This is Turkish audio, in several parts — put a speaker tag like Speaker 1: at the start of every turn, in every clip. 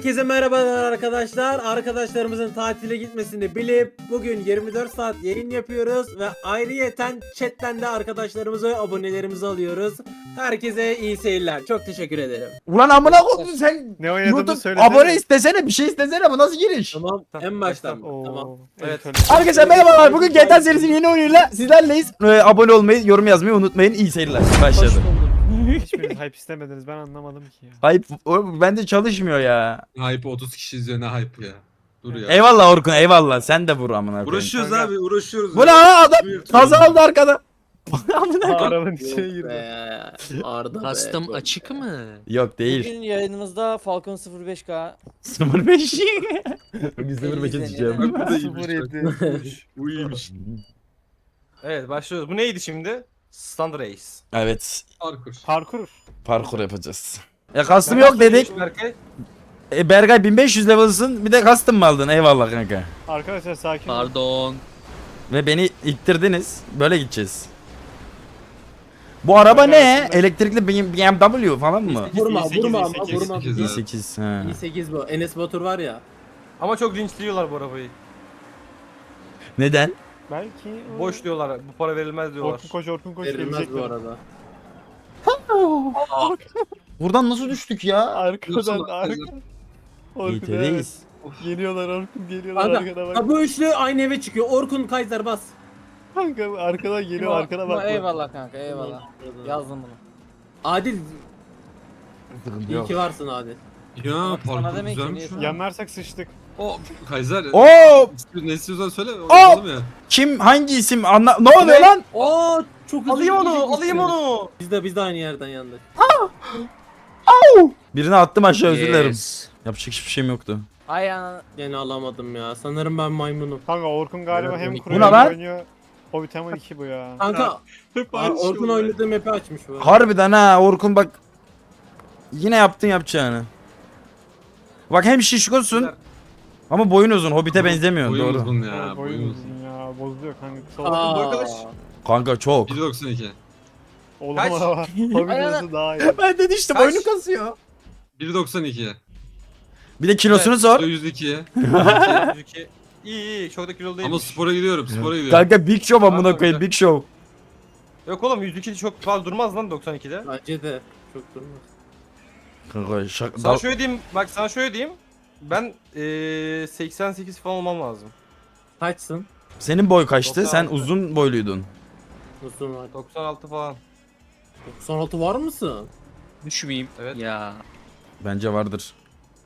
Speaker 1: Herkese merhabalar arkadaşlar. Arkadaşlarımızın tatile gitmesini bilip bugün 24 saat yayın yapıyoruz ve ayrıyeten chatten de arkadaşlarımızı, abonelerimizi alıyoruz. Herkese iyi seyirler. Çok teşekkür ederim.
Speaker 2: Ulan amına koydun sen.
Speaker 3: Ne oynadığını
Speaker 2: YouTube
Speaker 3: söylesene.
Speaker 2: abone istesene, bir şey istesene, bu nasıl giriş?
Speaker 1: Tamam, en baştan.
Speaker 3: Oo.
Speaker 1: Tamam.
Speaker 3: Evet.
Speaker 2: Arkadaşlar merhabalar. Bugün GTA serisinin yeni oyunuyla sizlerleyiz. Abone olmayı, yorum yazmayı unutmayın. İyi seyirler. Başladı.
Speaker 3: Hiçbiriniz hype istemediniz, ben anlamadım ki ya.
Speaker 2: Hayır, bende çalışmıyor ya.
Speaker 4: Hype 30 kişi izliyor, ne hype ya. Dur ya.
Speaker 2: Eyvallah Orkun, eyvallah. Sen de vur amına koyayım.
Speaker 4: Uğraşıyoruz
Speaker 3: Kanka.
Speaker 4: abi, uğraşıyoruz.
Speaker 2: Bu ne lan adam?
Speaker 4: Buyur,
Speaker 2: Kaza
Speaker 4: tamam.
Speaker 2: aldı arkada. Amına koyayım.
Speaker 3: Arabanın içine
Speaker 1: Yok
Speaker 3: girdi.
Speaker 1: be. Arda be.
Speaker 5: Custom
Speaker 1: Çok
Speaker 5: açık
Speaker 1: be.
Speaker 5: mı?
Speaker 2: Yok değil.
Speaker 6: Bugün yayınımızda Falcon 05K
Speaker 2: 05. Bugün 05'e
Speaker 6: izleniyor.
Speaker 2: düşeceğim.
Speaker 4: Bak bu da iyiymiş.
Speaker 3: 07.
Speaker 4: Bu iyiymiş.
Speaker 7: Evet başlıyoruz. Bu neydi şimdi? Stand Race.
Speaker 2: Evet.
Speaker 4: Parkur.
Speaker 3: Parkur.
Speaker 2: Parkur yapacağız. Custom yok dedik.
Speaker 7: Berkay.
Speaker 2: Berkay 1500 level'sın, bir de custom mı aldın? Eyvallah kanka.
Speaker 3: Arkadaşlar sakin olun.
Speaker 5: Pardon.
Speaker 2: Ve beni ittirdiniz. Böyle gideceğiz. Bu araba ne? Elektrikli BMW falan mı?
Speaker 1: Vurma,
Speaker 3: i8,
Speaker 1: vurma ama
Speaker 3: i8,
Speaker 1: vurma.
Speaker 4: i8 abi.
Speaker 2: i8. Ha.
Speaker 1: i8 bu. Enes Batur var ya.
Speaker 7: Ama çok linçliyorlar bu arabayı.
Speaker 2: Neden?
Speaker 3: Belki
Speaker 7: Boş diyorlar. Bu para verilmez diyorlar.
Speaker 3: Orkun koş
Speaker 1: Verilmez bu
Speaker 3: gelecekler.
Speaker 1: arada.
Speaker 2: Buradan nasıl düştük ya?
Speaker 3: Arkadan
Speaker 4: Dursana,
Speaker 3: arkadan. Orkun evet.
Speaker 2: İT'deyiz.
Speaker 3: Geliyorlar Orkun geliyorlar
Speaker 1: Kanka,
Speaker 3: arkada bak.
Speaker 1: ha bu üçlü aynı eve çıkıyor. Orkun Kaiser bas.
Speaker 3: Kanka arkadan geliyor arkana bak.
Speaker 6: Eyvallah kanka eyvallah. Yazdım bunu.
Speaker 1: Adil,
Speaker 2: Sıkıntı
Speaker 1: iyi
Speaker 2: yok.
Speaker 1: ki varsın Adil.
Speaker 4: Ya
Speaker 6: Sana
Speaker 4: parkur
Speaker 6: demek ki
Speaker 4: güzelmiş.
Speaker 6: niye-
Speaker 3: Yanlarsak sıçtık.
Speaker 4: O Kaiser.
Speaker 2: Oo!
Speaker 4: Ne istiyorsan söyle.
Speaker 2: Oo!
Speaker 4: Yapalım ya.
Speaker 2: Kim hangi isim anla... Ne oluyor lan?
Speaker 1: Oo, çok hızlı
Speaker 7: Alayım onu,
Speaker 1: gidecekmişsin.
Speaker 7: alayım onu.
Speaker 1: Biz de aynı yerden yandık.
Speaker 2: Birini attım aşağı, özür dilerim.
Speaker 5: Yes.
Speaker 2: Yapacak hiçbir şeyim yoktu.
Speaker 6: Ay ana.
Speaker 1: Gene alamadım ya. Sanırım ben maymunum.
Speaker 3: Kanka Orkun galiba
Speaker 1: Evet,
Speaker 3: hem
Speaker 1: bu
Speaker 3: kuruyor
Speaker 2: ne
Speaker 3: hem
Speaker 2: lan?
Speaker 3: oynuyor. Hobbit Hammer 2 bu ya.
Speaker 1: Kanka,
Speaker 4: Hep aynı şey
Speaker 1: Orkun
Speaker 4: oluyor.
Speaker 1: oynadığı map'i açmış bu.
Speaker 2: Harbiden ha Orkun bak. Yine yaptın yapacağını. Bak hem şişkosun ama boyun uzun. Hobbit'e benzemiyor.
Speaker 4: Boyun
Speaker 2: Doğru.
Speaker 4: uzun
Speaker 3: Ya,
Speaker 4: ya. Boyun uzun.
Speaker 3: ya bozuluyor kanka. Kısa
Speaker 1: Aa,
Speaker 3: oldu.
Speaker 7: arkadaş.
Speaker 2: Kanka çok.
Speaker 4: 1.92.
Speaker 3: Oğlum
Speaker 7: Kaç?
Speaker 3: ama var. Hobbit uzun daha iyi.
Speaker 2: Ben de işte
Speaker 7: Kaç?
Speaker 2: boynu kasıyor.
Speaker 4: 1.92.
Speaker 2: Bir de kilosunu sor.
Speaker 4: 102'ye.
Speaker 7: 102. İyi çok da kilolu değil.
Speaker 4: Ama spora gidiyorum, spora gidiyorum.
Speaker 2: Kanka Big Show amına
Speaker 7: Kanka,
Speaker 2: koyayım, Big Show.
Speaker 7: Yok oğlum 102 çok fazla durmaz lan 92'de.
Speaker 1: Bence de çok durmaz.
Speaker 2: Kanka şaka.
Speaker 7: Sana şöyle diyeyim, bak sana şöyle diyeyim. Ben 88 falan olmam lazım.
Speaker 1: Kaçsın?
Speaker 2: Senin boy kaçtı? Sen
Speaker 7: 96.
Speaker 2: uzun boyluydun.
Speaker 1: Uzun var.
Speaker 7: 96 falan.
Speaker 1: 96 var mısın?
Speaker 5: Düşmeyeyim.
Speaker 7: Evet.
Speaker 5: Ya.
Speaker 2: Bence vardır.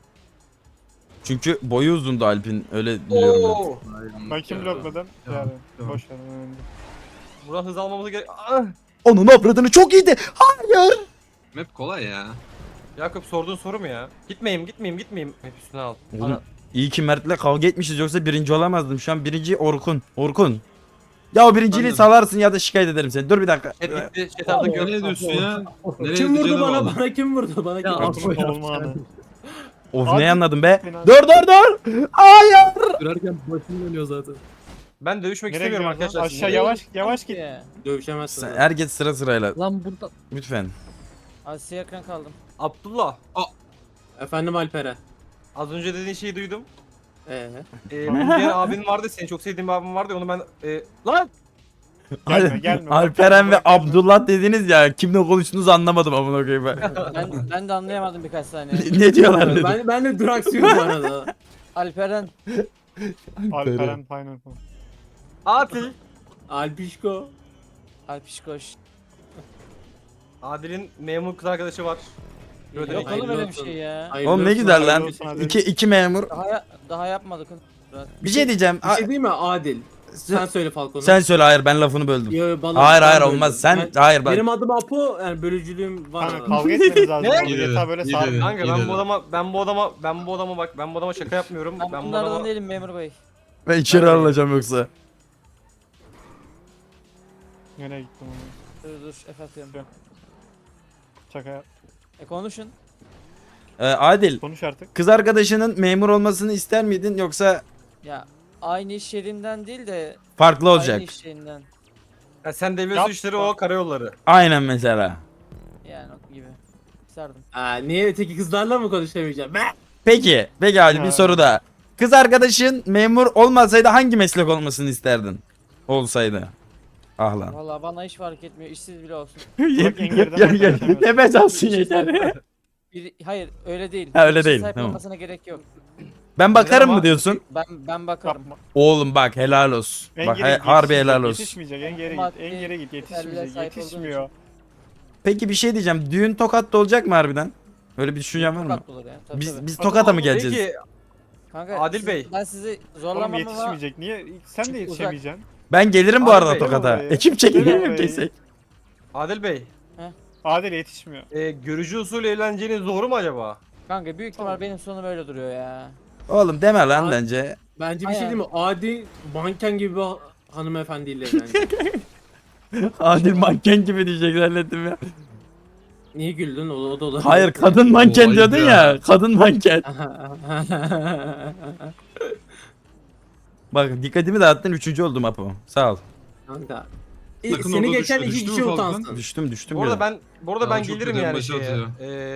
Speaker 2: Çünkü boyu uzundu Alp'in, öyle biliyorum ben.
Speaker 7: Oo.
Speaker 3: Ben kim blokladım? Yani boş ver. önemli değil.
Speaker 7: Buradan hız almamız gerek. Ah!
Speaker 2: Onun avradını çok iyiydi. Hayır.
Speaker 4: Map kolay ya.
Speaker 7: Yakup sorduğun soru mu ya? Gitmeyeyim. Hep üstüne al.
Speaker 2: Oğlum, iyi ki Mert'le kavga etmişiz, yoksa birinci olamazdım. Şu an birinci Orkun. Orkun. Ya o birinciliği
Speaker 4: Anladım.
Speaker 2: salarsın ya da şikayet ederim seni. Dur bir dakika.
Speaker 7: Chat gitti. Chat artık
Speaker 4: Ne diyorsun ya? Nereye
Speaker 1: Kim vurdu
Speaker 4: gideceğine
Speaker 1: bana?
Speaker 4: bağlı.
Speaker 1: Bana kim vurdu? Bana kim vurdu?
Speaker 3: Orkun olmadı.
Speaker 2: Of
Speaker 3: Abi,
Speaker 2: ne anladım be.
Speaker 3: fena.
Speaker 2: Dur. Hayır.
Speaker 1: Sürerken başım dönüyor zaten.
Speaker 7: Ben dövüşmek
Speaker 3: Nereye
Speaker 7: istemiyorum
Speaker 3: gidiyorsun
Speaker 7: arkadaşlar.
Speaker 3: lan? Aşağı
Speaker 7: sizinle.
Speaker 3: yavaş git.
Speaker 1: Dövüşemezsin.
Speaker 2: Sen- Herkes sırayla.
Speaker 5: Lan burada.
Speaker 2: Lütfen.
Speaker 6: Asiye ekran kaldım.
Speaker 7: Abdullah.
Speaker 1: Efendim Alperen.
Speaker 7: Az önce dediğin şeyi duydum.
Speaker 1: Ee,
Speaker 7: Bir abin vardı, seni çok sevdiğim bir abim vardı. Onu ben... Lan!
Speaker 3: Gelme.
Speaker 2: Alperen ve Abdullah dediniz ya. Kimle konuştuğunuzu anlamadım amına koyayım ben.
Speaker 6: Ben de anlayamadım birkaç saniye.
Speaker 2: Ne diyorlar dedim.
Speaker 1: ben de duraksıyorum bu arada.
Speaker 6: Alperen.
Speaker 3: Alperen Pineapple.
Speaker 7: Adil.
Speaker 1: Alpişko.
Speaker 6: Alpişkoş.
Speaker 7: Adil'in memur kız arkadaşı var. Yok
Speaker 6: Yok
Speaker 1: Hayırlı
Speaker 6: oğlum öyle bir
Speaker 1: olsun.
Speaker 6: şey ya.
Speaker 1: Hayırlı
Speaker 2: Oğlum ne
Speaker 1: olsun,
Speaker 2: güzel
Speaker 1: hayırlı
Speaker 2: lan.
Speaker 1: olsun.
Speaker 3: hadi.
Speaker 2: İki memur.
Speaker 6: Daha yapmadık.
Speaker 2: Bir şey diyeceğim.
Speaker 1: Bir şey değil mi Adil? Sen söyle Falcon'u.
Speaker 2: Sen söyle, hayır ben lafını böldüm.
Speaker 1: Yo, bana-
Speaker 2: Hayır
Speaker 1: ben
Speaker 2: hayır
Speaker 1: böldüm.
Speaker 2: olmaz. Sen
Speaker 1: Ben-
Speaker 2: hayır bak.
Speaker 1: Benim adım Apo, yani bölücülüğüm var.
Speaker 3: Kanka
Speaker 1: arada.
Speaker 3: kavga etmeniz lazım.
Speaker 7: Ne?
Speaker 3: Orada
Speaker 4: İyi dedi,
Speaker 3: yatağı böyle
Speaker 4: iyi
Speaker 3: sar.
Speaker 4: dedi.
Speaker 7: Kanka
Speaker 4: İyi
Speaker 7: ben
Speaker 4: dedi.
Speaker 7: bu adama şaka yapmıyorum.
Speaker 6: Ben
Speaker 7: Ben bu
Speaker 6: bunlardan
Speaker 7: adama...
Speaker 6: değilim memur bey.
Speaker 2: Ben içeri
Speaker 7: Ben-
Speaker 2: alacağım yoksa.
Speaker 3: Nereye gittim onu?
Speaker 6: Dur F atıyorum.
Speaker 3: Şaka yap.
Speaker 6: Konuşun.
Speaker 2: Adil.
Speaker 3: Konuş artık.
Speaker 2: Kız arkadaşının memur olmasını ister miydin, yoksa
Speaker 6: Ya aynı iş yerinden değil de
Speaker 2: farklı olacak?
Speaker 6: aynı iş yerinden.
Speaker 7: Ya sen devlet
Speaker 3: Yap.
Speaker 7: suçları, o karayolları.
Speaker 2: Aynen mesela.
Speaker 6: Yani o gibi. İsterdim.
Speaker 1: Niye öteki kızlarla mı konuşamayacağım? Ben.
Speaker 2: Peki hadi bir
Speaker 3: Ha.
Speaker 2: soru daha. Kız arkadaşın memur olmasaydı hangi meslek olmasını isterdin? Olsaydı. Ah lan.
Speaker 6: Valla bana hiç fark etmiyor. İşsiz bile olsun.
Speaker 3: Bak en geriden başlayalım.
Speaker 2: Nefes alsın yeter.
Speaker 6: Hayır öyle değil.
Speaker 2: Ha, öyle
Speaker 6: İşsiz
Speaker 2: değil,
Speaker 6: sahip
Speaker 2: tamam.
Speaker 6: olmasına gerek yok.
Speaker 2: Ben bakarım
Speaker 7: Ama-
Speaker 2: mı diyorsun?
Speaker 6: Ben bakarım.
Speaker 3: Yapma.
Speaker 2: Oğlum bak helal olsun.
Speaker 3: En
Speaker 2: Bak
Speaker 3: geri git,
Speaker 2: harbi
Speaker 3: yetişmeyecek,
Speaker 2: helal olsun.
Speaker 3: Yetişmeyecek en geri git.
Speaker 6: Maddi
Speaker 3: En geri git
Speaker 6: yeterliliğe
Speaker 3: yetişmeyecek.
Speaker 6: sahip olduğum
Speaker 3: Yetişmiyor.
Speaker 2: Peki bir şey diyeceğim. Düğün Tokat'ta olacak mı harbiden? Öyle bir düşüncen var mı?
Speaker 6: Tokat olur ya. Tabii, tabii.
Speaker 2: Biz Tokat'a mı geleceğiz?
Speaker 7: Peki
Speaker 6: Kanka,
Speaker 7: Adil Bey.
Speaker 6: Ben sizi
Speaker 3: Oğlum
Speaker 6: zorlamam ama
Speaker 3: yetişmeyecek. Niye? Sen de
Speaker 6: Uzak.
Speaker 3: yetişemeyeceksin.
Speaker 2: Ben gelirim bu
Speaker 7: Abi
Speaker 2: arada
Speaker 7: Bey,
Speaker 2: Tokat'a.
Speaker 3: oraya.
Speaker 2: Ekip çekelim
Speaker 3: Gel
Speaker 2: mi
Speaker 3: oraya.
Speaker 2: kesek?
Speaker 7: Adil Bey,
Speaker 3: Adil yetişmiyor.
Speaker 7: görücü usulü evleneceğiniz doğru mu acaba?
Speaker 6: kanka büyük ihtimal benim sonum öyle duruyor ya.
Speaker 2: Oğlum deme lan
Speaker 1: Abi-
Speaker 2: bence.
Speaker 1: Bence bir şey
Speaker 6: Aynen.
Speaker 1: değil mi? Adi manken gibi bir hanımefendiyle bence.
Speaker 2: Adil manken gibi diyecek zannettim ya.
Speaker 1: Niye güldün? O da olur.
Speaker 2: Hayır kadın manken
Speaker 4: Vay
Speaker 2: diyordun
Speaker 4: be.
Speaker 2: ya. Kadın manken. Bak dikkatimi dağıttın 3. oldum Apo. Sağ ol.
Speaker 1: Kanka.
Speaker 4: Sakın
Speaker 1: Seni
Speaker 4: orada
Speaker 1: geçen
Speaker 4: düşme,
Speaker 1: iki
Speaker 4: düştü
Speaker 1: kişi
Speaker 4: mü Falcon?
Speaker 1: utansın.
Speaker 2: Düştüm
Speaker 7: Bu arada
Speaker 2: ya.
Speaker 7: ben
Speaker 4: Daha çok
Speaker 7: gelirim
Speaker 4: ödem
Speaker 7: yani
Speaker 4: başı
Speaker 7: şeye.
Speaker 4: atıyor.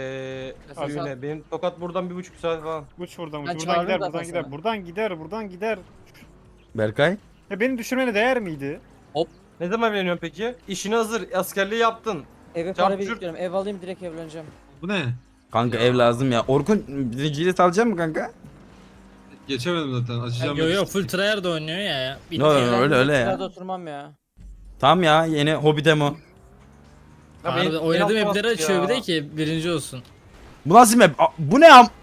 Speaker 7: Düğüne. Benim Tokat buradan 1,5 saat falan.
Speaker 3: Uç buradan uç.
Speaker 6: Ben
Speaker 3: Buradan
Speaker 6: çağırdım
Speaker 3: gider,
Speaker 6: zaten
Speaker 3: buradan gider.
Speaker 6: sana.
Speaker 3: Buradan gider, buradan gider.
Speaker 2: Berkay.
Speaker 3: Ya beni düşürmene değer miydi?
Speaker 7: Ne zaman evleniyorsun peki? İşini hazır, askerliği yaptın.
Speaker 6: Eve
Speaker 7: Çarp
Speaker 6: para
Speaker 7: çurt.
Speaker 6: biriktiriyorum. Ev alayım direkt evleneceğim.
Speaker 4: Bu ne?
Speaker 2: Kanka
Speaker 4: Ya.
Speaker 2: ev lazım ya. Orkun birinciyle salacak mı kanka?
Speaker 4: Geçemedim zaten. Açacağım.
Speaker 5: Yo yo full tryhard oynuyor ya. Bitti
Speaker 2: No, no,
Speaker 5: ya.
Speaker 2: no. öyle ya.
Speaker 6: Kirada oturmam ya.
Speaker 2: Tam ya yeni hobi demo.
Speaker 7: Ya
Speaker 5: Harbi
Speaker 7: beni
Speaker 5: oynadığım
Speaker 7: atmaz
Speaker 5: mapleri
Speaker 7: ya.
Speaker 5: açıyor bir de ki birinci olsun.
Speaker 2: Bu nasıl map? Bu ne am?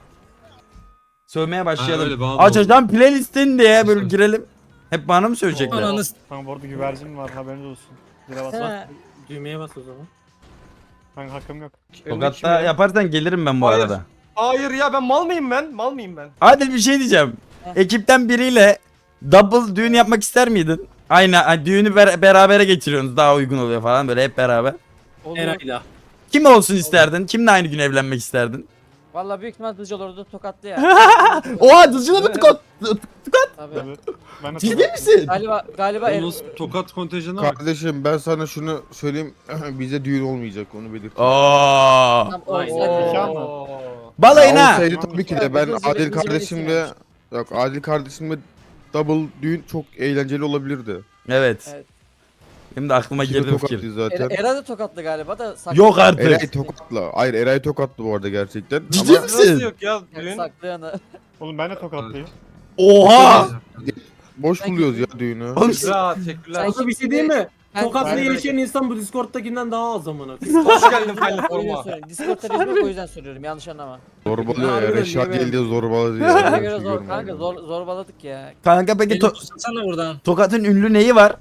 Speaker 2: Sövmeye
Speaker 4: Ha,
Speaker 2: başlayalım.
Speaker 4: öyle, bana da
Speaker 2: Açacağım playlistin diye böyle
Speaker 4: Başla.
Speaker 2: girelim. Hep bana mı söyleyecekler?
Speaker 5: Ananı
Speaker 3: Kanka bu arada güvercin var haberiniz olsun. Zile bas.
Speaker 6: He.
Speaker 1: Düğmeye bas o zaman.
Speaker 3: Kanka hakkım yok.
Speaker 7: Önündeki
Speaker 2: Tokat'ta
Speaker 7: kim ya?
Speaker 2: yaparsan gelirim ben bu
Speaker 7: Hayır.
Speaker 2: arada.
Speaker 7: Hayır ya ben mal mıyım ben? Mal mıyım ben?
Speaker 2: Adil bir şey diyeceğim.
Speaker 6: Heh.
Speaker 2: Ekipten biriyle double düğün yapmak ister miydin? Aynı hani düğünü berabere geçiriyorsunuz daha uygun oluyor falan böyle hep beraber.
Speaker 6: Olur.
Speaker 1: Eray'la.
Speaker 2: Kim olsun isterdin? Kimle aynı gün evlenmek isterdin?
Speaker 6: Valla büyük ihtimal Dızcı olurdu tokatlı ya.
Speaker 2: Oha Dızcı'na mı tıkat?
Speaker 6: Tabii.
Speaker 3: Tabii. Ben de
Speaker 2: Ciddi misin?
Speaker 6: Galiba ev,
Speaker 4: Yalnız Tokat kontenjanına bak.
Speaker 8: Kardeşim ben sana şunu söyleyeyim. Bize düğün olmayacak onu belirteyim.
Speaker 2: Oo.
Speaker 6: tam
Speaker 1: Aynen.
Speaker 6: olsaydı.
Speaker 3: Nikah mı?
Speaker 7: Oo.
Speaker 2: Balayına.
Speaker 8: Olsaydı tabii ki de ben
Speaker 6: Uzun
Speaker 8: Adil
Speaker 6: süre
Speaker 8: kardeşimle yok Adil kardeşimle double düğün çok eğlenceli olabilirdi.
Speaker 2: Evet.
Speaker 6: Evet.
Speaker 2: Benim de aklıma
Speaker 8: İkisi de
Speaker 2: girdi bu fikir.
Speaker 8: tokatlıyız zaten.
Speaker 6: Era da tokatlı galiba da saklı.
Speaker 2: Yok artık.
Speaker 8: Eray tokatla. Hayır Eray tokatlı bu arada gerçekten.
Speaker 2: Ciddi
Speaker 8: Ama
Speaker 2: misin?
Speaker 7: Nasıl yok ya düğün?
Speaker 6: Saklayanı.
Speaker 3: Oğlum ben de tokatlıyım.
Speaker 2: Oha.
Speaker 8: boş buluyoruz ya düğünü.
Speaker 2: Oğlum siz-
Speaker 7: Güzel, teşekkürler.
Speaker 1: Kanka bir şey değil mi?
Speaker 6: Ben-
Speaker 1: Tokat'la
Speaker 6: ben-
Speaker 1: yaşayan insan bu Discord'takinden daha az amına.
Speaker 7: Hoş geldin Faylı
Speaker 6: O yüzden
Speaker 7: forma.
Speaker 6: soruyorum. Discord'da biz yok o yüzden soruyorum yanlış anlama.
Speaker 8: Zorbalıyor ya.
Speaker 1: Harbiden
Speaker 8: Reşat
Speaker 1: değil mi?
Speaker 8: geldi zorbaladı ya.
Speaker 6: Ona
Speaker 8: Öyle bir
Speaker 6: göre
Speaker 8: şey
Speaker 6: zor
Speaker 8: görmedim.
Speaker 6: kanka zorbaladık ya.
Speaker 2: Kanka peki
Speaker 5: Beni tutsana buradan.
Speaker 2: Tokat'ın ünlü neyi var?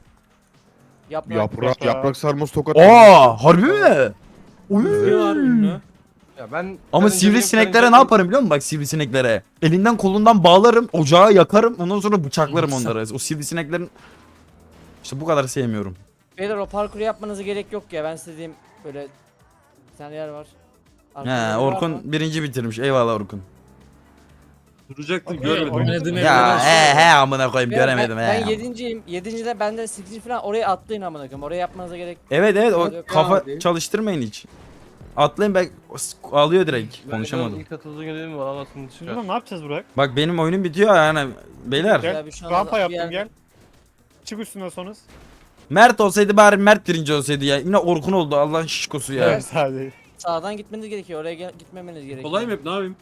Speaker 8: Yaprak sarması tokat.
Speaker 2: Aa, harbi mi?
Speaker 1: Ne var ünlü?
Speaker 7: Ya ben
Speaker 2: Ama
Speaker 7: önce
Speaker 2: sivrisineklere
Speaker 7: benim
Speaker 2: ne yaparım biliyor musun? Bak sivrisineklere. Elinden kolundan bağlarım, ocağa yakarım, ondan sonra bıçaklarım onları. O sivrisineklerin... İşte bu kadar sevmiyorum.
Speaker 6: Beyler o parkuru yapmanıza gerek yok ya ben size diyeyim böyle bir tane yer var. Arkada
Speaker 2: He,
Speaker 6: biri var
Speaker 2: Orkun
Speaker 6: mı?
Speaker 2: birinci bitirmiş. Eyvallah Orkun.
Speaker 4: Duracaktım
Speaker 3: Okey,
Speaker 4: görmedim.
Speaker 3: oynadığım
Speaker 2: Ya he amına koyayım
Speaker 6: Beyler,
Speaker 2: göremedim
Speaker 6: ben
Speaker 2: he.
Speaker 6: 7.'yim. 7.de benden 8. falan oraya atlayın amına koyayım. Oraya yapmanıza gerek.
Speaker 2: Evet evet o
Speaker 6: Yok
Speaker 2: kafa
Speaker 1: abi.
Speaker 2: çalıştırmayın hiç. Atlayın ben alıyor direkt.
Speaker 7: Ben
Speaker 2: Konuşamadım.
Speaker 7: İlk atıldığı günü var anasını
Speaker 3: Şimdi
Speaker 7: çıkar.
Speaker 3: lan ne yapacağız Burak?
Speaker 2: Bak benim oyunum bitiyor yani beyler.
Speaker 3: Gel.
Speaker 6: Ya bir şey olmaz,
Speaker 3: Rampa
Speaker 6: bir
Speaker 3: yaptım
Speaker 6: yerde-
Speaker 3: gel. Çık üstüne sonuz.
Speaker 2: Mert olsaydı bari Mert birinci olsaydı ya. Yine Orkun oldu Allah'ın şişkosu ya.
Speaker 3: Evet sadece.
Speaker 6: Sağdan gitmeniz gerekiyor. Oraya gitmemeniz gerekiyor.
Speaker 4: Kolay mı hep ne yapayım?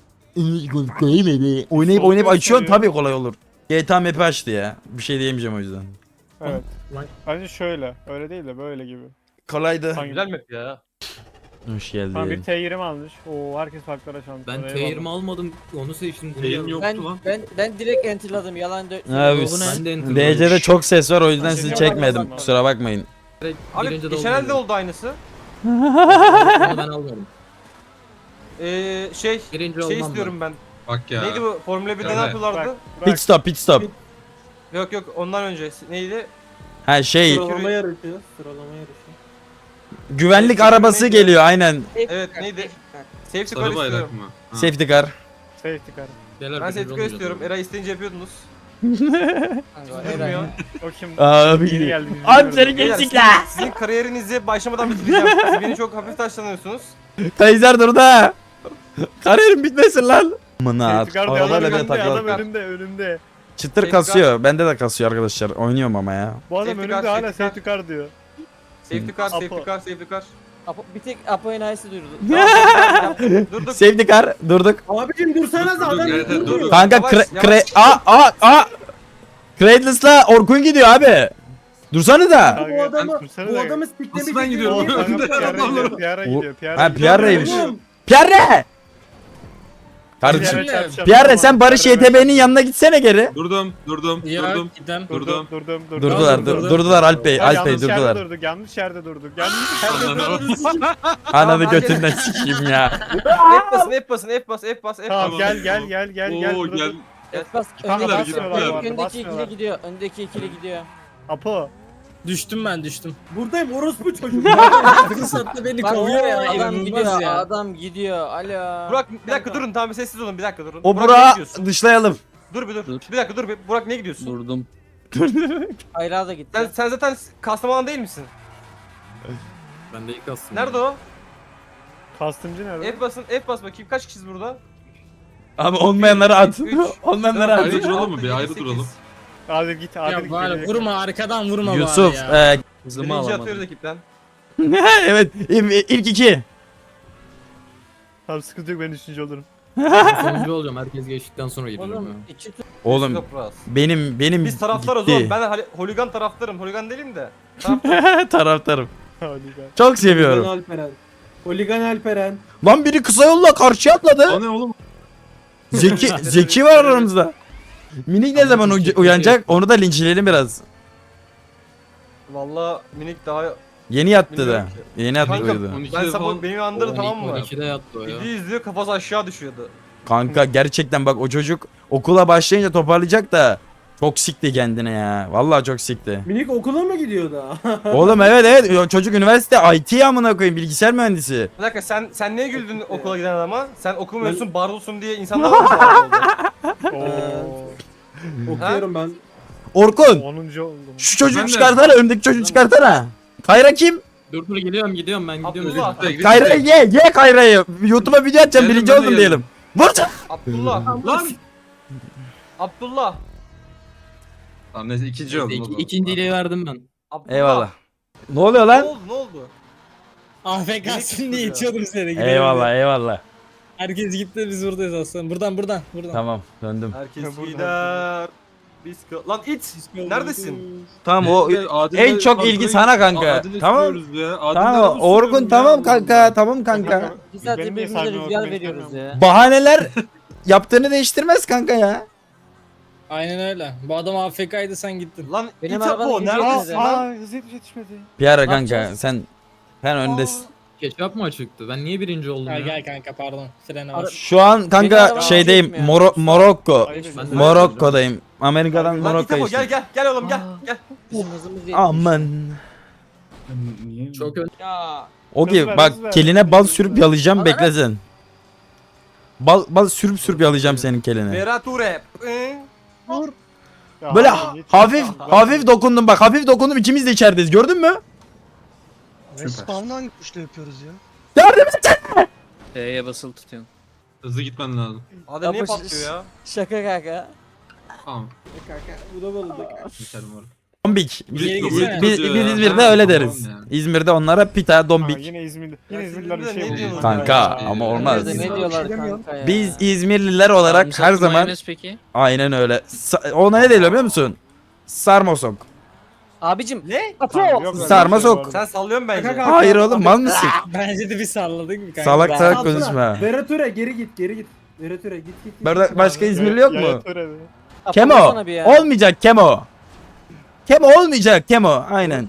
Speaker 2: Oynayıp
Speaker 3: Sol
Speaker 2: oynayıp açıyorsun
Speaker 3: gösteriyor.
Speaker 2: tabii kolay olur. GTA map'i açtı ya. Bir şey diyemeyeceğim o yüzden.
Speaker 3: Evet.
Speaker 1: Lan.
Speaker 3: Bence şöyle. Öyle değil de böyle gibi.
Speaker 2: Kolaydı.
Speaker 3: Hangi?
Speaker 7: Güzel map ya.
Speaker 2: Hoş
Speaker 3: Tamam bir
Speaker 2: geldin.
Speaker 3: T20 almış. Oo herkes farklı araç almış.
Speaker 1: Ben
Speaker 3: Eyvallah.
Speaker 1: T20 almadım. Onu seçtim. Bunu
Speaker 4: Yayın
Speaker 1: aldım.
Speaker 4: yoktu lan.
Speaker 6: Ben direkt enterladım yalan
Speaker 2: Abi
Speaker 1: Ben de enter
Speaker 2: DC'de çok ses var o yüzden sizi
Speaker 3: Şey
Speaker 2: çekmedim.
Speaker 3: yapamam.
Speaker 2: Kusura bakmayın.
Speaker 7: Abi
Speaker 1: Birinci de
Speaker 7: geçen elde oldu aynısı.
Speaker 1: Onu ben almadım.
Speaker 7: Şey
Speaker 1: Birinci
Speaker 7: şey
Speaker 1: olmam
Speaker 7: istiyorum ben.
Speaker 4: Bak ya.
Speaker 7: Neydi bu? Formula 1'de ne
Speaker 4: Göre.
Speaker 7: yapıyorlardı?
Speaker 3: Bırak,
Speaker 2: Pit
Speaker 3: bırak.
Speaker 2: stop pit stop.
Speaker 7: Yok yok ondan önce neydi?
Speaker 2: Ha şey
Speaker 1: Sıralama yarışı. Sıralama yarışı.
Speaker 2: güvenlik arabası geliyor aynen.
Speaker 7: Evet neydi? Safety car
Speaker 4: Sarı bayrak
Speaker 7: istiyorum.
Speaker 4: mı? Ha.
Speaker 2: Safety car.
Speaker 3: Safety car.
Speaker 7: Ben safety car istiyorum. Eray isteyince yapıyordunuz.
Speaker 6: Kanka,
Speaker 7: Durmuyor.
Speaker 3: O kim?
Speaker 2: Abi
Speaker 3: Yeni geldi. biz
Speaker 2: Abi
Speaker 3: bilmiyoruz.
Speaker 2: seni
Speaker 7: Beyler,
Speaker 2: geçtik la.
Speaker 7: Sizin kariyerinizi başlamadan bitireceğim. Siz beni çok hafif taşlanıyorsunuz.
Speaker 2: Kaiser dur da. Kariyerim bitmesin lan. Mına.
Speaker 3: Safety car diyor, adam
Speaker 2: Arabayla bile
Speaker 3: önümde, adam
Speaker 2: takılır.
Speaker 3: önümde.
Speaker 2: Çıtır
Speaker 7: Safety
Speaker 2: kasıyor. Bende de kasıyor arkadaşlar. Oynuyorum ama ya.
Speaker 3: Bu adam
Speaker 7: Safety car,
Speaker 3: önümde hala
Speaker 7: safety car.
Speaker 3: safety car diyor.
Speaker 7: Safety car, safety
Speaker 3: Apo.
Speaker 7: car, safety car.
Speaker 6: Bir tek Apo enayisi duyurdu.
Speaker 7: Durduk.
Speaker 2: Safety car durduk.
Speaker 1: Abicim dursanız adam
Speaker 4: Evet, evet,
Speaker 1: durmuyor.
Speaker 4: dur.
Speaker 2: Kanka
Speaker 7: Yavaş,
Speaker 2: Cradles'la Orkun gidiyor abi. Dursana da.
Speaker 1: Bu adamı
Speaker 3: Dursana
Speaker 1: bu
Speaker 3: da-
Speaker 1: adamı siklemek
Speaker 4: Nasıl ben gidiyorum?
Speaker 1: için-
Speaker 3: Kanka
Speaker 4: Adamlar-
Speaker 3: Pierre'e gidiyor.
Speaker 2: Ha, Pierre'ymiş.
Speaker 1: Oğlum,
Speaker 2: Pierre! Kardeşim.
Speaker 3: Pierre'e çarpacağım.
Speaker 2: Pierre sen Barış
Speaker 3: Pierre'e
Speaker 2: YTB'nin yanına gitsene geri.
Speaker 4: Durdum.
Speaker 5: Ya
Speaker 4: Durdum.
Speaker 5: gidem.
Speaker 3: Durdum.
Speaker 2: Durdular Alp Bey.
Speaker 3: Ya,
Speaker 2: Alp Bey
Speaker 3: yanlış yerde
Speaker 2: durdular.
Speaker 3: durduk. Yanlış yerde durduk. Yanlış yerde durduk.
Speaker 2: Ananı
Speaker 7: Tamam,
Speaker 2: götünden sikeyim ya.
Speaker 7: F basın, F bas, F bas.
Speaker 3: Tamam
Speaker 4: Tamam.
Speaker 3: gel.
Speaker 4: Oo
Speaker 3: burada
Speaker 4: gel.
Speaker 3: dur.
Speaker 6: Bas,
Speaker 4: Basmıyorlar,
Speaker 6: öndeki,
Speaker 3: basmıyorlar.
Speaker 6: öndeki
Speaker 3: Basmıyorlar.
Speaker 6: ikili gidiyor. Öndeki ikili gidiyor.
Speaker 3: Apo.
Speaker 5: Düştüm ben düştüm.
Speaker 1: buradayım orospu çocuk.
Speaker 5: Fırsatta beni
Speaker 6: Bak
Speaker 5: kovuyor ya.
Speaker 6: adam
Speaker 5: inanılmaz
Speaker 6: gidiyor,
Speaker 5: ya.
Speaker 6: adam gidiyor. Alo.
Speaker 7: Burak bir dakika durun tamam sessiz olun bir dakika durun.
Speaker 2: O
Speaker 7: Burak, nereye
Speaker 2: Burak'ı
Speaker 7: gidiyorsun?
Speaker 2: dışlayalım.
Speaker 7: Dur bir dur. Bir dakika dur bir. Burak ne gidiyorsun?
Speaker 5: Durdum.
Speaker 6: Hayra da gitti.
Speaker 7: Sen zaten Kastamonu değil misin?
Speaker 4: Ben de ilk aslında.
Speaker 7: Nerede o?
Speaker 3: Kastımcı nerede?
Speaker 7: F basın, F bas bakayım. Kaç kişiyiz burada?
Speaker 2: Ama olmayanları at.
Speaker 7: Üç.
Speaker 2: Olmayanları
Speaker 7: Dört,
Speaker 2: at.
Speaker 4: Ayrı
Speaker 7: beş,
Speaker 4: duralım
Speaker 7: altı,
Speaker 4: bir, ayrı
Speaker 7: yedi, sekiz.
Speaker 4: duralım.
Speaker 3: Adil git Adil
Speaker 5: Ya
Speaker 3: git.
Speaker 5: bari
Speaker 3: geriye.
Speaker 5: vurma arkadan vurma
Speaker 2: Yusuf.
Speaker 5: bari ya.
Speaker 7: Birinci atıyoruz ekipten.
Speaker 2: Evet ilk iki.
Speaker 3: Tamam sıkıntı yok ben 3. olurum.
Speaker 9: Sonuncu olacağım herkes geçtikten sonra gidiyorum
Speaker 6: Oğlum
Speaker 9: ya.
Speaker 6: iki
Speaker 2: Oğlum
Speaker 7: Toprağız.
Speaker 2: benim
Speaker 7: Biz taraftarız
Speaker 2: gitti.
Speaker 7: oğlum. Ben holigan taraftarım. Holigan değilim de.
Speaker 2: Taraftarım.
Speaker 3: Hadi gel.
Speaker 2: Çok
Speaker 1: Holigan
Speaker 2: seviyorum.
Speaker 1: Alperen. Holigan Alperen.
Speaker 2: Lan biri kısa yolla karşıya atladı.
Speaker 4: O ne oğlum?
Speaker 2: Zeki var aramızda. Minik ne zaman uyanacak? Onu da linçleyelim biraz.
Speaker 7: Valla minik daha...
Speaker 2: Yeni yattı da.
Speaker 7: Bilmiyorum
Speaker 2: Yeni yattı
Speaker 7: Kanka,
Speaker 2: uyudu.
Speaker 4: 12'de
Speaker 7: Ben sabah
Speaker 4: falan.
Speaker 7: beni uyandırdı tamam mı?
Speaker 9: 12'de yattı o ya.
Speaker 7: Video izliyor kafası aşağı düşüyordu.
Speaker 2: Kanka gerçekten bak o çocuk okula başlayınca toparlayacak da çok sikti kendine ya. Vallahi çok sikti.
Speaker 1: Minik okula mı gidiyor da?
Speaker 2: Oğlum evet o çocuk üniversite IT amına koyayım bilgisayar mühendisi.
Speaker 7: Bir dakika sen niye güldün okula giden adama? Sen okumuyorsun barulsun diye insanlar mı oldu?
Speaker 3: Oo.
Speaker 1: Okuyorum ben.
Speaker 2: Orkun
Speaker 3: 10. oldum.
Speaker 2: şu çocuğu
Speaker 4: Ben de-
Speaker 2: çıkartana önündeki çocuğu çıkartana. Kayra kim?
Speaker 9: Dur gidiyorum ben gidiyorum.
Speaker 7: Abdullah.
Speaker 2: Kayra ye Kayra'yı. YouTube'a video atacağım
Speaker 4: Geldim,
Speaker 2: birinci
Speaker 4: ben de
Speaker 2: oldum
Speaker 4: geldim.
Speaker 2: diyelim. Vur.
Speaker 7: Abdullah.
Speaker 4: Lan!
Speaker 7: Abdullah.
Speaker 4: Tamam neyse ikinci oldum. o zaman.
Speaker 9: İkinciyle verdim ben.
Speaker 7: Abdullah.
Speaker 2: Eyvallah. Ne oluyor
Speaker 7: Ne
Speaker 2: lan?
Speaker 7: oldu ne oldu?
Speaker 5: AFK'sın diye içiyordum seni. gidelim
Speaker 2: Eyvallah
Speaker 5: diye.
Speaker 2: eyvallah.
Speaker 5: Herkes gitti biz buradayız aslında. Buradan.
Speaker 2: Tamam döndüm.
Speaker 7: Herkes
Speaker 3: Buradan.
Speaker 7: gider. Biz lan it. Neredesin?
Speaker 2: Tamam o
Speaker 4: Neyse, Adil'le
Speaker 2: en çok
Speaker 4: kadroyu-
Speaker 2: ilgi sana kanka.
Speaker 4: Adil'le
Speaker 2: Tamam.
Speaker 4: sürüyoruz ya. Adil'le
Speaker 2: Tamam
Speaker 4: nasıl
Speaker 2: Orkun
Speaker 4: sürüyorum
Speaker 2: tamam
Speaker 4: ya?
Speaker 2: kanka tamam kanka.
Speaker 6: Bir saat
Speaker 3: Benim niye
Speaker 6: birbirimize
Speaker 3: saygı
Speaker 6: rüzgar
Speaker 3: olmak
Speaker 6: veriyoruz
Speaker 3: istemiyorum?
Speaker 6: ya.
Speaker 2: Bahaneler yaptığını değiştirmez kanka ya.
Speaker 5: Aynen öyle. Bu adam AFK'ydı sen gittin.
Speaker 7: Lan
Speaker 6: Benim
Speaker 7: it
Speaker 6: arabanın
Speaker 7: Apo
Speaker 6: izi
Speaker 7: neredesin
Speaker 6: yetmedi.
Speaker 7: lan?
Speaker 3: Hız yetişmedi.
Speaker 2: Bir ara
Speaker 6: Ne
Speaker 2: kanka
Speaker 6: yapacağız?
Speaker 2: sen öndesin.
Speaker 9: Ketçap mı açıktı? Ben niye birinci oldum
Speaker 5: Gel
Speaker 9: ya?
Speaker 5: gel kanka pardon. Freni
Speaker 6: Ara-
Speaker 5: var.
Speaker 2: Şu an
Speaker 6: Benim
Speaker 2: kanka
Speaker 6: arabam
Speaker 2: şeydeyim
Speaker 6: yetmiyor.
Speaker 2: Morokko.
Speaker 3: Ayıp
Speaker 9: Ben de-
Speaker 3: ediyorsun.
Speaker 2: Morokko'dayım. Amerika'dan
Speaker 7: Lan it
Speaker 2: Morokko'ya
Speaker 7: Apo
Speaker 2: işte.
Speaker 7: gel oğlum gel.
Speaker 6: Bizim hızımız yetmiş.
Speaker 2: Aman.
Speaker 9: Çok ön...
Speaker 6: Ya.
Speaker 2: Ogi
Speaker 3: Hız ver,
Speaker 2: bak
Speaker 3: hız ver.
Speaker 2: keline bal sürüp yalayacağım
Speaker 6: Ana.
Speaker 2: bekle sen. Bal sürüp yalayacağım senin keline.
Speaker 7: Verature.
Speaker 3: Ya,
Speaker 2: Böyle
Speaker 3: hadi,
Speaker 2: hafif dokundum bak hafif dokundum ikimiz de içerideyiz gördün mü?
Speaker 10: Spawn'ı hangi tuşla yapıyoruz ya?
Speaker 2: Yardım et.
Speaker 5: E'ye basılı tutuyorsun.
Speaker 4: Hızlı gitmen lazım.
Speaker 7: Adem niye
Speaker 6: Apo,
Speaker 7: patlıyor ya?
Speaker 6: Şaka kanka.
Speaker 4: Tamam.
Speaker 1: Bu da balık.
Speaker 4: Geçelim oraya.
Speaker 2: Dombik.
Speaker 5: Geri
Speaker 2: Biz
Speaker 5: gitsene.
Speaker 2: İzmir'de
Speaker 4: Ha,
Speaker 2: öyle
Speaker 4: tamam
Speaker 2: deriz.
Speaker 4: yani.
Speaker 2: İzmir'de onlara pita
Speaker 3: Ha,
Speaker 2: dombik.
Speaker 3: yine İzmirli.
Speaker 7: Ya
Speaker 3: Yine
Speaker 7: siz
Speaker 3: İzmirliler bir
Speaker 7: de
Speaker 3: şey
Speaker 7: ne
Speaker 3: buluyor.
Speaker 7: diyorsunuz
Speaker 2: Kanka
Speaker 7: ya?
Speaker 2: ama olmaz.
Speaker 6: Ne
Speaker 10: Bir
Speaker 6: diyorlar
Speaker 10: şey demiyorum.
Speaker 6: kanka ya?
Speaker 2: Biz İzmirliler olarak her zaman
Speaker 5: peki?
Speaker 2: aynen öyle. Ona ne deniyor biliyor musun? Sarmasok.
Speaker 6: Abicim.
Speaker 7: Ne?
Speaker 6: Apo.
Speaker 3: Yok, öyle
Speaker 2: Sarma
Speaker 3: bir şey
Speaker 2: sok.
Speaker 3: bu arada.
Speaker 7: Sen sallıyorsun bence.
Speaker 1: Kanka,
Speaker 2: Hayır oğlum mal mısın?
Speaker 5: Bence de bir salladık mı kanka?
Speaker 2: Salak
Speaker 6: Ben-
Speaker 2: salak
Speaker 1: Altına.
Speaker 2: konuşma.
Speaker 1: Verature geri git. Verature git.
Speaker 2: Burada başka
Speaker 3: Ya-
Speaker 2: İzmirli yok
Speaker 3: ya
Speaker 2: mu?
Speaker 3: yeter hadi.
Speaker 6: Apo
Speaker 2: Kemo.
Speaker 6: vursana bir ya.
Speaker 2: Olmayacak Kemo. Kemo olmayacak Kemo. Aynen.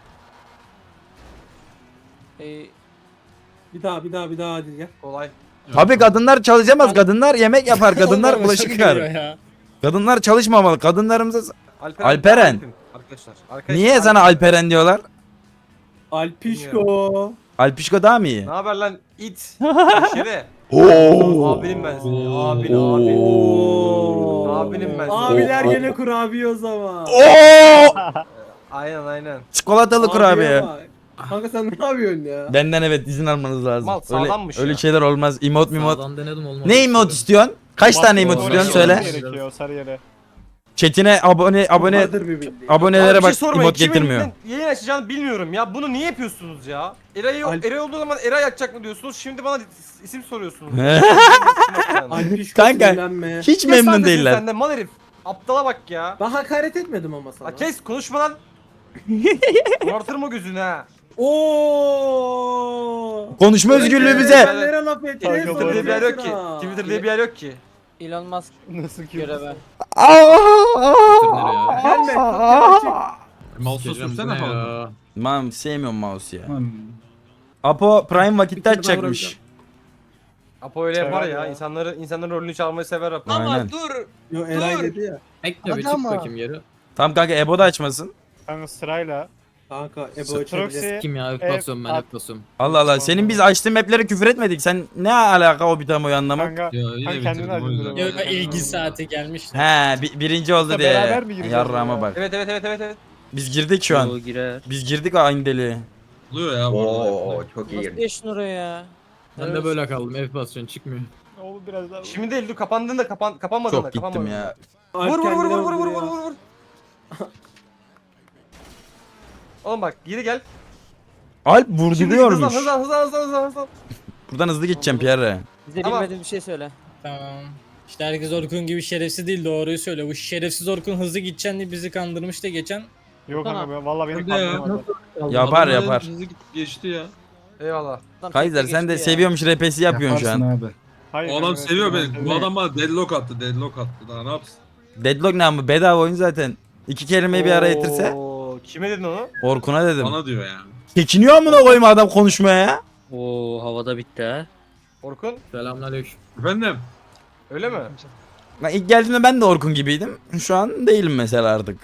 Speaker 1: Bir daha hadi gel.
Speaker 7: Kolay.
Speaker 2: Tabii kadınlar çalışamaz. Kadınlar yemek yapar. Kadınlar
Speaker 5: Olmamış,
Speaker 2: bulaşık
Speaker 5: çok
Speaker 2: yıkar.
Speaker 5: geliyor ya.
Speaker 2: Kadınlar çalışmamalı. Kadınlarımıza...
Speaker 7: Alperen.
Speaker 2: Alperen.
Speaker 7: Arkadaşlar.
Speaker 2: Niye sana Alperen diyorlar?
Speaker 1: Alpişko.
Speaker 2: Alpişko daha mı iyi?
Speaker 7: Ne haber lan it? Şere.
Speaker 2: Oo.
Speaker 7: Abinim ben seni. Abin.
Speaker 1: Oo.
Speaker 7: Abinim ben.
Speaker 1: Abiler gene kurabiye o zaman.
Speaker 2: Oo!
Speaker 7: Aynen.
Speaker 2: Çikolatalı kurabiye.
Speaker 1: bak. Kanka sen ne yapıyorsun ya?
Speaker 2: Benden evet izin almanız lazım.
Speaker 7: Mal sağlammış
Speaker 2: öyle
Speaker 7: ya.
Speaker 2: şeyler olmaz. Emot mimot.
Speaker 9: Sağdan denedim olmadı.
Speaker 2: Ne emot istiyorsun? Kaç tane emot
Speaker 3: Oraya
Speaker 2: istiyorsun
Speaker 3: gitmemiz
Speaker 2: söyle.
Speaker 3: Gerekiyor, sarı yere.
Speaker 2: Chatine abone
Speaker 1: Vardır bir bildiğin.
Speaker 2: abonelere
Speaker 7: Abi bir
Speaker 2: bak
Speaker 7: şey sormayın,
Speaker 2: emot getirmiyor.
Speaker 7: kimin yayın açacağını bilmiyorum ya. Bunu niye yapıyorsunuz ya? Eray olduğu zaman Eray açacak mı diyorsunuz? Şimdi bana isim soruyorsunuz.
Speaker 1: Alpiş
Speaker 2: Kanka,
Speaker 1: sinirlenme.
Speaker 2: Hiç
Speaker 7: Kes lan
Speaker 2: memnun
Speaker 7: sesini
Speaker 2: değiller.
Speaker 7: Sen de mal herif. Aptala bak ya.
Speaker 1: Ben hakaret etmedim ama sana.
Speaker 7: Ha kes konuşma lan. Morartırım o gözünü ha.
Speaker 1: Oo.
Speaker 2: Konuşma özgürlüğü bize.
Speaker 1: Nereye laf etti?
Speaker 3: Kanka,
Speaker 7: Twitter diye bir yer yok ki.
Speaker 1: Sonra.
Speaker 7: Twitter diye bir yer yok ki.
Speaker 6: Elon Musk
Speaker 3: Nasıl ki?
Speaker 6: göreve.
Speaker 1: Gelme.
Speaker 9: Nereye
Speaker 1: kapıyı açık.
Speaker 4: Mouse'u sürsene falan.
Speaker 2: Mam sevmiyorum mouse ya. Apo Prime vakitte açacakmış.
Speaker 7: Apo öyle yapar
Speaker 3: Sever
Speaker 7: ya.
Speaker 3: ya.
Speaker 7: İnsanların rolünü çalmayı sever Apo.
Speaker 2: Aynen.
Speaker 1: Yo Eray dedi ya.
Speaker 9: Bekle bir
Speaker 10: Hadi
Speaker 9: çık
Speaker 10: ama.
Speaker 9: bakayım geri.
Speaker 2: Tamam kanka Ebo da açmasın.
Speaker 3: Kanka sırayla.
Speaker 1: Kanka Ebo
Speaker 3: Proxy.
Speaker 1: açabilir.
Speaker 9: Kim ya?
Speaker 3: Evet,
Speaker 9: Basıyorum ben
Speaker 3: at.
Speaker 9: hep basıyorum.
Speaker 2: Allah Allah senin biz açtığın map'lere küfür etmedik. Sen ne alaka o bitamoyu anlamak?
Speaker 3: Kanka.
Speaker 9: Ya yine
Speaker 3: Kanka kendini
Speaker 9: bitirdim o yüzden.
Speaker 3: acındırıyor.
Speaker 5: Yok ilgi saati gelmiş.
Speaker 2: He birinci oldu
Speaker 3: Yoksa
Speaker 2: diye.
Speaker 3: beraber mi gireceğiz
Speaker 2: Yarrağıma
Speaker 3: ya?
Speaker 2: bak.
Speaker 7: Evet.
Speaker 2: Biz girdik şu an. Biz girdik aynı deliğe.
Speaker 4: Oluyor ya bu arada.
Speaker 11: çok
Speaker 6: Nasıl geçtin oraya ya?
Speaker 9: Ben de böyle kaldım. F basıyorsun çıkmıyor.
Speaker 3: Oğlum biraz daha.
Speaker 7: Şimdi değil dur kapandığında kapanmadığında.
Speaker 2: Çok gittim ya.
Speaker 7: Vur vur. Oğlum bak geri gel.
Speaker 2: Alp
Speaker 7: Şimdi
Speaker 2: vurduruyormuş.
Speaker 7: hızlan.
Speaker 2: Buradan hızlı gideceğim Pierre.
Speaker 6: Bize
Speaker 7: Tamam.
Speaker 6: bilmediğin bir şey söyle.
Speaker 5: Tamam. İşte herkes Orkun gibi şerefsiz değil, doğruyu söyle. Bu şerefsiz Orkun hızlı gideceksin diye bizi kandırmış da geçen.
Speaker 3: Yok kanka ben valla beni
Speaker 4: Hadi ya.
Speaker 3: kandırmadı.
Speaker 2: Yapar
Speaker 4: Adamlar
Speaker 2: yapar.
Speaker 4: hızlı geçti ya.
Speaker 7: Eyvallah.
Speaker 6: Adam
Speaker 2: Kaiser
Speaker 6: tekte
Speaker 2: sen de
Speaker 6: geçti ya.
Speaker 2: seviyormuş repesi yapıyorsun şu an.
Speaker 3: Hayır,
Speaker 4: O adam
Speaker 3: kanka,
Speaker 4: seviyor
Speaker 3: ben
Speaker 4: beni. Bu
Speaker 3: seviyorum.
Speaker 4: adam bana deadlock attı. Daha ne yapsın?
Speaker 2: Deadlock ne ama bedava oyun zaten. İki kelimeyi bir araya getirse.
Speaker 7: Oo, kime dedin onu?
Speaker 2: Orkun'a dedim.
Speaker 4: Bana diyor yani.
Speaker 2: Çekiniyor amına koyma adam konuşmaya ya.
Speaker 6: Oo havada bitti ha.
Speaker 7: Orkun
Speaker 9: Selamünaleyküm.
Speaker 4: Efendim?
Speaker 7: öyle mi?
Speaker 2: Ben ilk geldiğimde ben de Orkun gibiydim. Şu an değilim mesela artık.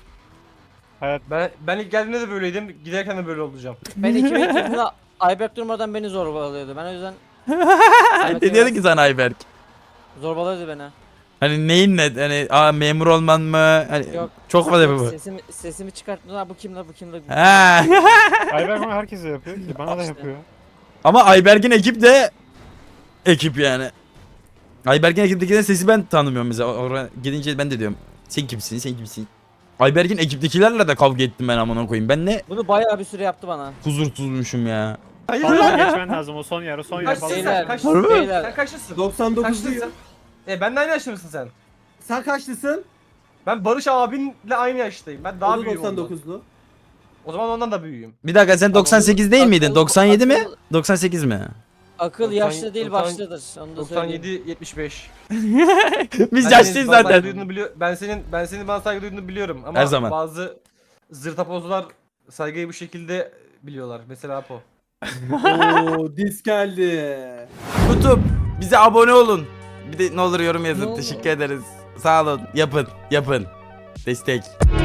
Speaker 7: Ben ilk geldiğimde de böyleydim. Giderken de böyle olacağım.
Speaker 6: Ben 2000 yılında Ayberk durmadan beni zorbalıyordu. Ben o yüzden
Speaker 2: Ne diyordu ki sana Ayberk?
Speaker 6: zorbalıyordu beni.
Speaker 2: Hani neyin ne? Hani memur olman mı? Hani
Speaker 6: Yok.
Speaker 2: çok fazla bu.
Speaker 6: Sesimi çıkarttım. Ha bu kim la bu kim la?
Speaker 2: Ha.
Speaker 3: Ayberk bana herkese yapıyor ki bana da
Speaker 6: İşte.
Speaker 3: yapıyor.
Speaker 2: Ama Ayberk'in ekip de ekip yani. Ayberk'in ekiptekilerin sesi ben tanımıyorum mesela. Oraya gidince ben de diyorum. Sen kimsin? Sen kimsin? Ayberk'in ekiptekilerle de kavga ettim ben amına koyayım. Ben ne
Speaker 6: Bunu bayağı bir süre yaptı bana.
Speaker 2: huzursuzmuşum ya.
Speaker 7: Hayır
Speaker 3: Fazla geçmen lazım o son yer o son yer
Speaker 7: Kaçsın
Speaker 3: fazla.
Speaker 6: Beyler.
Speaker 7: sen? Kaçsın?
Speaker 6: Beyler.
Speaker 7: Sen kaçlısın?
Speaker 1: 99'luyum.
Speaker 7: Kaçlısın? Ben de aynı yaşta mısın sen?
Speaker 1: Sen kaçlısın?
Speaker 7: Ben Barış abinle aynı yaştayım. Ben daha
Speaker 1: O da
Speaker 7: büyüğüm ondan.
Speaker 1: 99'lu.
Speaker 7: O zaman ondan da büyüğüm.
Speaker 2: Bir dakika sen 98 değil miydin?
Speaker 6: Akıl-
Speaker 2: 97 mi?
Speaker 6: akıl-
Speaker 2: 98 mi?
Speaker 6: Akıl
Speaker 7: 90
Speaker 6: yaşlı değil
Speaker 7: 90
Speaker 6: başlıdır. Onu da söyleyeyim.
Speaker 7: 97 75.
Speaker 2: Biz yaşlıyız zaten.
Speaker 7: Ben senin bana saygı duyduğunu biliyorum ama
Speaker 2: Her zaman.
Speaker 7: bazı zırtapozlar saygıyı bu şekilde biliyorlar. Mesela Apo.
Speaker 1: Oo dis geldi.
Speaker 2: YouTube bize abone olun. Bir de ne olur yorum
Speaker 6: Ne
Speaker 2: yazın.
Speaker 6: olur.
Speaker 2: Teşekkür ederiz. Sağ olun. Yapın. Destek.